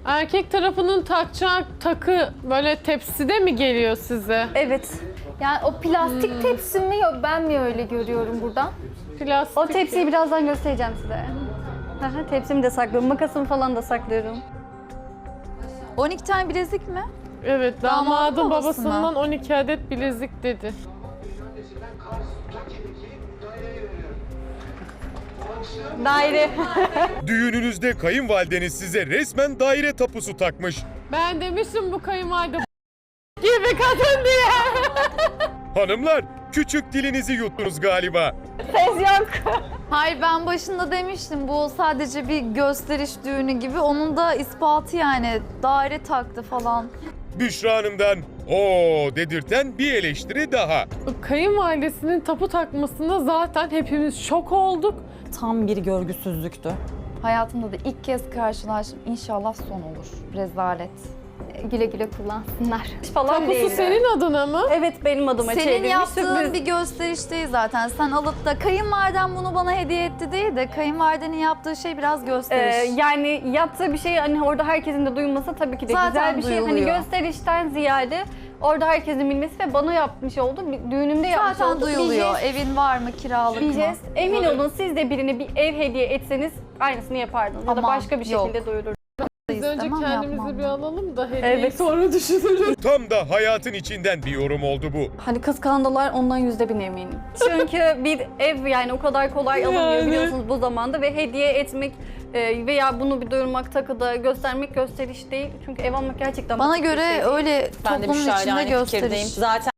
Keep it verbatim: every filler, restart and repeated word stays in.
Erkek tarafının takacağı takı böyle tepside mi geliyor size? Evet. Yani o plastik tepsi mi yok ben mi öyle görüyorum buradan? Plastik. O tepsiyi birazdan göstereceğim size. Aha, tepsimi de saklıyorum. Makasımı falan da saklıyorum. on iki tane bilezik mi? Evet, Damadın damadın babası mı? babasından on iki adet bilezik dedi. Daire. Düğününüzde kayınvalideniz size resmen daire tapusu takmış. Ben demiştim bu kayınvalide gibi kadın diye. Hanımlar, küçük dilinizi yuttunuz galiba. Ses yok. Hayır, ben başında demiştim bu sadece bir gösteriş düğünü gibi. Onun da ispatı yani daire taktı falan. Büşra Hanım'dan o dedirten bir eleştiri daha. Kayınvalidesinin tapu takmasında zaten hepimiz şok olduk. Tam bir görgüsüzlüktü. Hayatımda da ilk kez karşılaştım. İnşallah son olur. Rezalet. Güle güle kullansınlar. Falan Tapusu değildi. senin adına mı? Evet, benim adıma Senin çevrilmiş. yaptığın Sürpriz. bir gösteriş değil zaten. Sen alıp da kayınvaliden bunu bana hediye etti değil de kayınvalidenin yaptığı şey biraz gösteriş. Ee, yani yaptığı bir şey hani orada herkesin de duyması tabii ki de Zaten güzel bir şey. duyuluyor. Hani gösterişten ziyade orada herkesin bilmesi ve bana yapmış oldu. Bir düğünümde yapmış Zaten oldu. duyuluyor. Bir jest, Evin var mı, kiralık bir mı? jest. Emin olun siz de birine bir ev hediye etseniz aynısını yapardınız. Ya da Aman, başka bir yok. şekilde duyururdunuz. Biz önce İstemem, kendimizi yapmam. bir alalım da hediyeyi Evet. sonra düşünürüz. Tam da hayatın içinden bir yorum oldu bu. Hani kıskandılar ondan yüzde bin eminim. Çünkü bir ev yani o kadar kolay alınmıyor Yani. biliyorsunuz bu zamanda ve hediye etmek e, veya bunu bir duyurmak, takıda göstermek gösteriş değil. Çünkü ev almak gerçekten Bana basit bir göre şey değil. öyle Ben de toplumun Büşra'yla içinde aynı fikirdeyim. gösteriş. Zaten